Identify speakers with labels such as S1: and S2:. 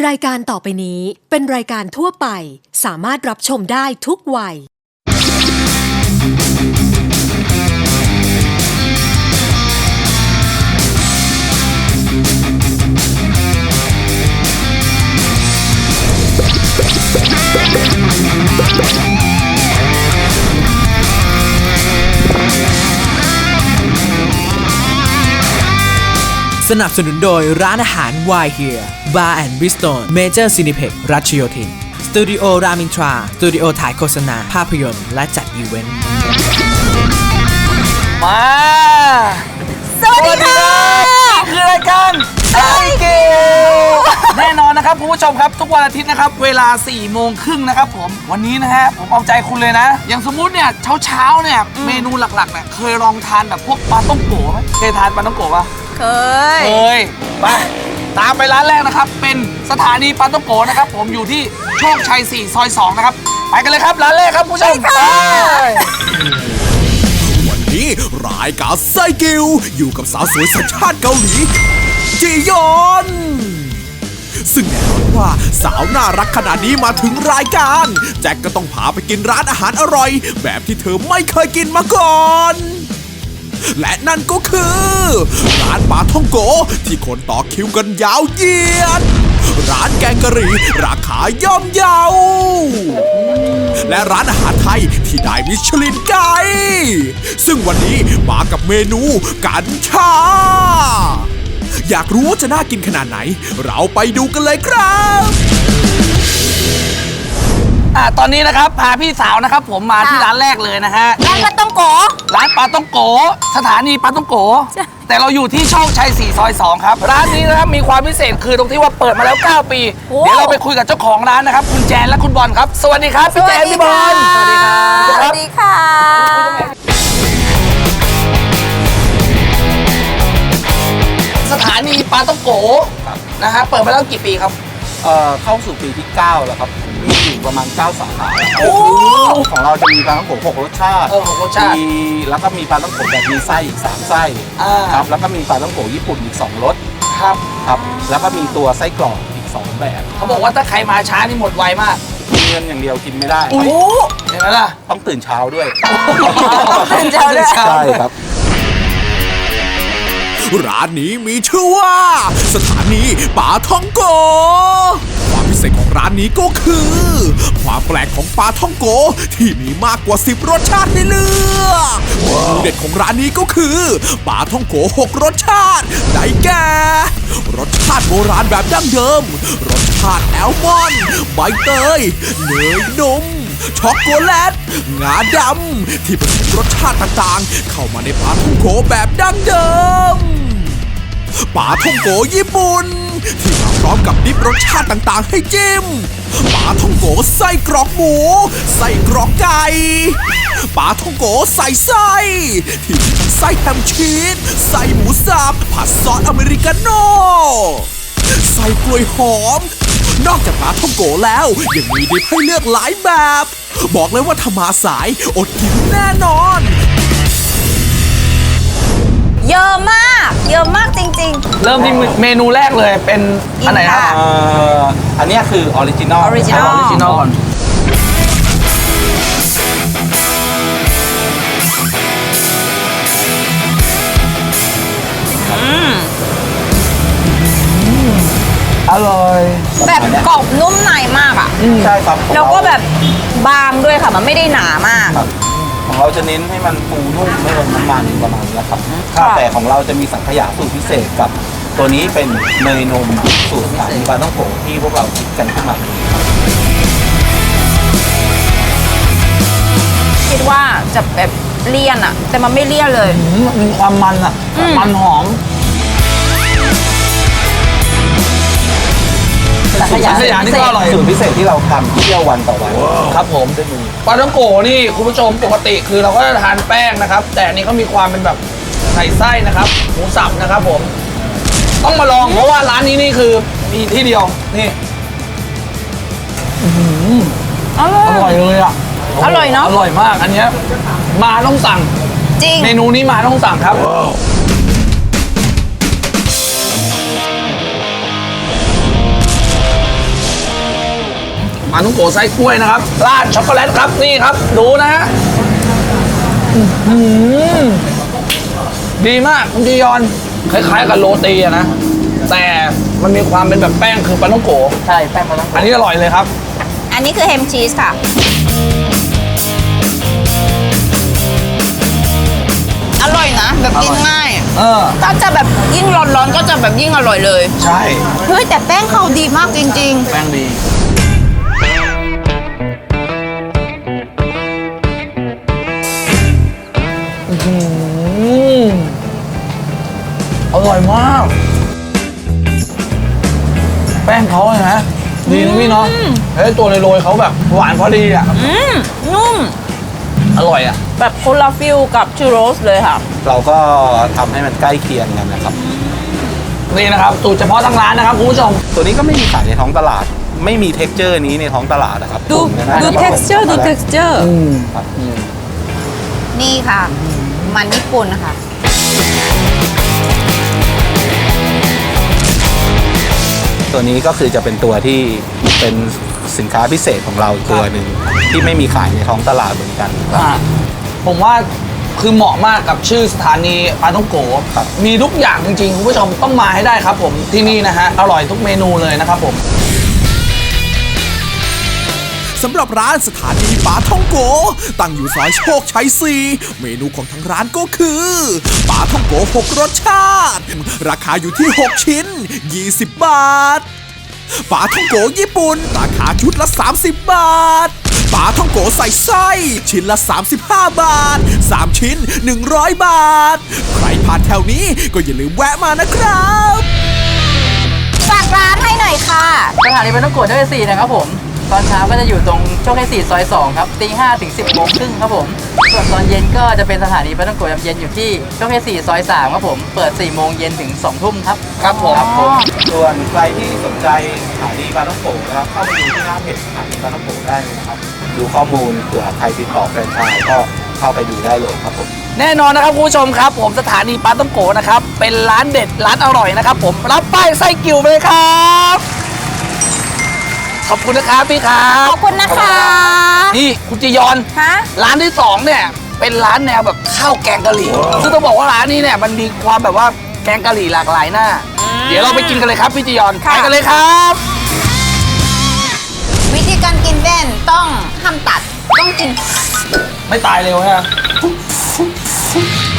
S1: รายการต่อไปนี้เป็นรายการทั่วไปสามารถรับชมได้ทุกวัย
S2: สนับสนุนโดยร้านอาหาร Why Here Bar and Bistro Major Cineplex รัชโยธินสตูดิโอรามินทราสตูดิโอถ่ายโฆษณาภาพยนตร์และจัดอีเวนต์
S3: มาสวัสดีครับนี่คือรายการไซเกิลแน่นอนนะครับคุณผู้ชมครับทุกวันอาทิตย์นะครับเวลา 4:30 นะครับผมวันนี้นะฮะผมเอาใจคุณเลยนะอย่างสมมุติเนี่ยเช้าเนี่ยเมนูหลักๆเนี่ยเคยลองทานแบบพวกปลาต้องโกะไหมเคยทานปลาต้องโกะปะ
S4: เคย
S3: ไปตามไปร้านแรกนะครับเป็นสถานีปลาต้องโกะนะครับผมอยู่ที่โชคชัย 4 ซอย 2 นะครับไปกันเลยครับร้านแรกครับคุณผู้ชมไป
S5: วันนี้รายการไซกิลอยู่กับสาวสวยสัญชาติเกาหลีจียอนซึ่งแน่นอนว่าสาวน่ารักขนาดนี้มาถึงรายการแจ็คก็ต้องพาไปกินร้านอาหารอร่อยแบบที่เธอไม่เคยกินมาก่อนและนั่นก็คือร้านปลาท่องโกที่คนต่อคิวกันยาวเหยียดร้านแกงกะหรี่ราคาย่อมเยาและร้านอาหารไทยที่ได้มิชลินไกด์ซึ่งวันนี้มากับเมนูกัญชาอยากรู้ว่าจะน่ากินขนาดไหนเราไปดูกันเลยครับ
S3: ตอนนี้นะครับพาพี่สาวนะครับผมมาที่ร้านแรกเลยนะฮะ
S4: ร้านปลาต้องโก
S3: ร้านปลาต้องโกสถานีปลาต้องโกแต่เราอยู่ที่โชคชัย 4 ซอย 2 ครับร้านนี้นะครับมีความพิเศษคือตรงที่ว่าเปิดมาแล้ว 9 ปีเดี๋ยวเราไปคุยกับเจ้าของร้านนะครับคุณแจนและคุณบอลครับสวัสดีครับพี่แจนพี่บอล
S4: สวัสดีครับสวัสดีค่ะ
S3: สถานีปลาต้องโกนะฮะเปิดมาแล้วกี่ปีครับ
S6: เข้าสู่ปีที่ 9 แล้วครับมีอยู่ประมาณ 9 สาขาของเราจะมีปลาท่องโกะ6 รสชาติมีแล้วก็มีปลาท่องโกะแบบมีไส้อีก3 ไส้ครับแล้วก็มีปลาท่องโกะญี่ปุ่นอีก2 รส
S3: ครับ
S6: แล้วก็มีตัวไส้กรอกอีก2 แบบ
S3: เขาบอกว่าถ้าใครมาช้านี่หมดไวมาก
S6: มีเงินอย่างเดียวกินไม่ได้
S3: เห็นไหมล่ะ
S6: ต้องตื่นเช้าด้วย
S4: ตื่นเช้าด้วย
S6: ใช่ครับ
S5: ร้านนี้มีชื่อว่าสถานีปลาท่องโกความพิเศษของร้านนี้ก็คือความแปลกของปลาท่องโกที่มีมากกว่า10 รสชาติให้เลือกเมนูเด็ดของร้านนี้ก็คือปลาท่องโก6 รสชาติได้แก่รสชาติโบราณแบบดั้งเดิมรสชาติแอลมอนด์ใบเตยเนยนมช็อกโกแลตงาดำที่ผสมรสชาติต่างๆเข้ามาในปลาท่องโกแบบดั้งเดิมปลาท่องโกญี่ปุ่นที่มาพร้อมกับดิบรสชาติต่างๆให้จิ้มปลาท่องโกไส้กรอกหมูไส้กรอกไก่ปลาท่องโกใส่ไส้ที่มีทั้งไส้แฮมชีสไส้หมูสับผัดซอสอเมริกาโน่ไส้กล้วยหอมนอกจากปลาท่องโกแล้วยังมีดิบให้เลือกหลายแบบบอกเลยว่าถ้ามาสายอดกินแน่นอน
S4: เยอะมากจริงๆ
S3: เริ่มที่เมนูแรกเลยเป็นอันไหนครับ
S6: อันนี้คือออริจินอล
S3: ก่อนอร่อย
S4: แบบกรอบนุ่มในมากอ่ะ
S6: ใช่ครับ
S4: แล้วก็แบบบางด้วยค่ะมันไม่ได้หนามาก
S6: ของเราจะเน้นให้มันฟูนุ่มไม่ลงน้ำมันประมาณนี้ครับแต่ของเราจะมีสังขยาสูตรพิเศษกับตัวนี้เป็นเนยนมสูตรสายปลาท่องโกที่พวกเราคิดกันขึ้นมา
S4: คิดว่าจะแบบเลี่ยนอ่ะแต่มันไม่เลี่ยนเลย
S3: มีความมันอ่ะมันหอมสังขยานี่ก็อร่อย
S6: สูตรพิเศษที่เราทำเที่ยววันต่อวัน
S3: ครับผมปลาท่องโกนี่คุณผู้ชมปกติคือเราก็จะทานแป้งนะครับแต่อันนี้เขามีความเป็นแบบใส่ไส้นะครับหมูสับนะครับผมต้องมาลองเพราะว่าร้านนี้นี่คือมีที่เดียวนี่อร่อยเลยอ่ะ
S4: อร่อยเนาะ
S3: อร่อยมากอันนี้มาต้องสั่ง
S4: จริง
S3: เมนูนี้มาต้องสั่งครับปลาท่องโกไส้กล้วยนะครับราดช็อกโกแลตครับนี่ครับดูนะฮะดีมากคุณจียอนคล้ายๆกับโรตีอะนะแต่มันมีความเป็นแบบแป้งคือปลาท่องโกใช่แป้งปลาท่องโกอันนี้อร่อยเลยครับ
S4: อันนี้คือแฮมชีสค่ะ อร่อยนะ แบบกินง่าย ก็จะแบบยิ่งร้อนๆก็จะแบบยิ่งอร่อยเลย
S3: ใช่
S4: เฮ้ยแต่แป้งเขาดีมากจริง
S3: แป้งดีอร่อยมาก แป้งเขาเลยนะดีนะพี่เนาะเฮ้ยตัวโรยๆเขาแบบหวานพอดีอ่ะ
S4: นุ่ม
S3: อร่อยอ่ะ
S4: แบบคนละฟิลกับชูโรสเลยค่ะ
S6: เราก็ทำให้มันใกล้เคียงกันนะครับ
S3: นี่นะครับสูตรเฉพาะทางร้านนะครับคุณผู้ชม
S6: ตัวนี้ก็ไม่มีขายในท้องตลาด ไม่มีเท็กเจอร์นี้ในท้องตลาดนะครับ
S4: ดู
S6: ผมนะ
S4: ดู texture ดู texture
S6: ครับ
S4: นี่ค่ะ มันญี่ปุ่นค่ะ
S6: ตัวนี้ก็คือจะเป็นตัวที่เป็นสินค้าพิเศษของเราอีกตัวหนึ่งที่ไม่มีขายในท้องตลาดเหมือนกันครับ
S3: ผมว่าคือเหมาะมากกับชื่อสถานีปลาท่องโก
S6: ครับ
S3: มีทุกอย่างจริงๆคุณผู้ชมต้องมาให้ได้ครับผมที่นี่นะฮะอร่อยทุกเมนูเลยนะครับผม
S5: สำหรับร้านสถานีปลาท่องโกตั้งอยู่ซอยโชคชัย 4 เมนูของทางร้านก็คือปลาท่องโก6 รสชาติ ราคาอยู่ที่ 6 ชิ้น 20 บาทปลาท่องโกญี่ปุ่นราคาชุดละ 30 บาทปลาท่องโกใส่ไส้ชิ้นละ 35 บาท 3 ชิ้น 100 บาท ใครผ่านแถวนี้ก็อย่าลืมแวะมานะครับ
S4: ฝากร้านให้หน่อยค่ะ
S7: สถานีปลาท่องโกะโชคชัย4นะครับผม ตอนเช้าก็จะอยู่ตรงโชคชัย4ซอย 2 ครับ ตี 5 ถึง 10 โมงครึ่งครับผม ส่วนตอนเย็นก็จะเป็นสถานีปลาท่องโกะยามเย็นอยู่ที่โชคชัย4ซอย 3 ครับผม เปิด 4 โมงเย็นถึง 2 ทุ่มครับ
S3: ครับผม
S7: ครับผม
S6: ส่วนใครที่สนใจสถานีปลาท่องโกนะครับเข้าไปดูที่หน้าเพจสถานีปลาท่องโกได้เลยนะครับดูข้อมูลเผื่อใครติดต่อแฟรนไชส์ก็เข้าไปดูได้เลยครับผม
S3: แน่นอนนะครับคุณผู้ชมครับผมสถานีปลาท่องโกนะครับเป็นร้านเด็ดร้านอร่อยนะครับผมรับป้ายไส้กิ่วไปเลยครับขอบคุณนะครับพี่ครับ
S4: ขอบคุณนะคะ
S3: นี่คุณจียอน
S4: ฮะ
S3: ร้านที่2เนี่ยเป็นร้านแนวแบบข้าวแกงกะหรี่ซึ่งต้องบอกว่าร้านนี้เนี่ยมันมีความแบบว่าแกงกะหรี่หลากหลายหน้า เดี๋ยวเราไปกินกันเลยครับพี่จียอนไปกันเลยครับ
S4: วิธีการกินแว่นต้องห้ามตัด ต้องกิน
S3: ไม่ตายเร็วฮะ